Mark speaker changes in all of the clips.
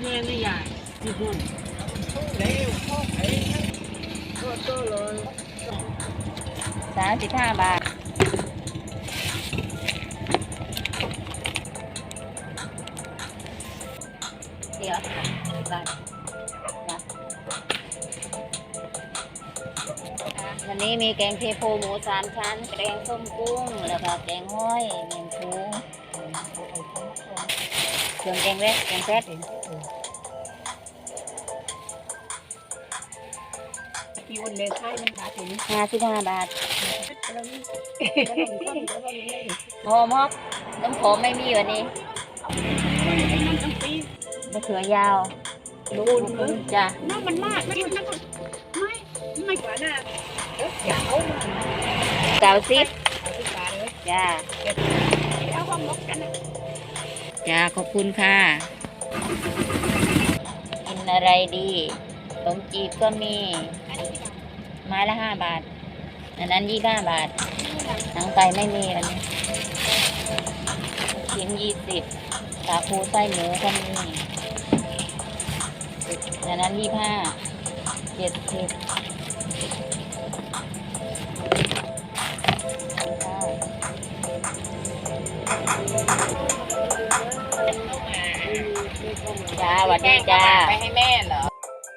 Speaker 1: ม่ไม่ใหญ่ที่พุ่งเร็วพ่อไอ้ก็เลย
Speaker 2: 35 บาทเดี๋ยวบาทวันนี้มีแกงเทโพหมู3 ชั้นแกงส้มกุ้งแล้วก็แกงห้อยเมี่ยงชูเครื่องแกงเล็กแกงแซ่บ
Speaker 1: กี่วันเลยใช่มันขาดถึง
Speaker 2: 55 บาทหอมฮอกน้ำหอมไม่มีวันนี้มะเขือยาว
Speaker 1: ดู
Speaker 2: จ้ะ
Speaker 1: น้ำมันมากไม่กว่าน่ะ
Speaker 2: 90จ้า
Speaker 1: เอาความลบกันนะ
Speaker 2: จ้าขอบคุณค่ะกินอะไรดีขนมจีบก็มีไม้ละ5 บาทอันนั้น25 บาทหนังไก่ไม่มีวันนี้ชิ้น20สาคูไส้หมูก็มีอันนั้น25 70จ้าสวัสดีจ้า
Speaker 1: ไปให้แม่เหรอ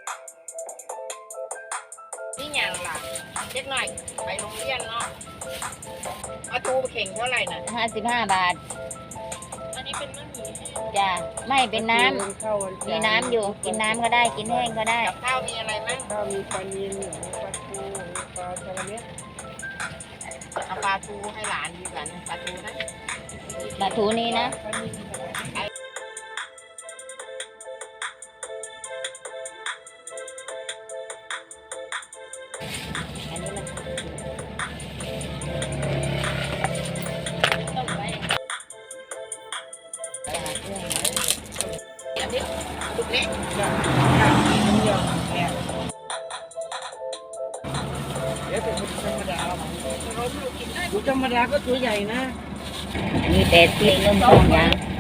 Speaker 1: นี่ยังล่ะเล็กหน่อยไปโรงเรียนเนาะเอาตูเข่งเท่าไหร่น่ะ
Speaker 2: 55 บาท
Speaker 1: อันนี้เป็นมะหมี่
Speaker 2: จ้าไม่เป็นน้ำมีน้ำอยู่กินน้ำก็ได้กินแห้งก็ได้
Speaker 1: กับข้าวมีอะไรมั้งข้าวมีปลานิลปลาทูปลาทะเลเม็ดเอาปลาทูให้หลานดีกว่าปลาทูนะ
Speaker 2: ปลาทูนี้นะอันนี้มันต้มไว้
Speaker 1: อันนี้ลูกเล็กเดี๋ยวเป็นธรรมดาดูธรรมดาก็ตัวใหญ่นะ
Speaker 2: อันนี้80เริ่มต้นยัง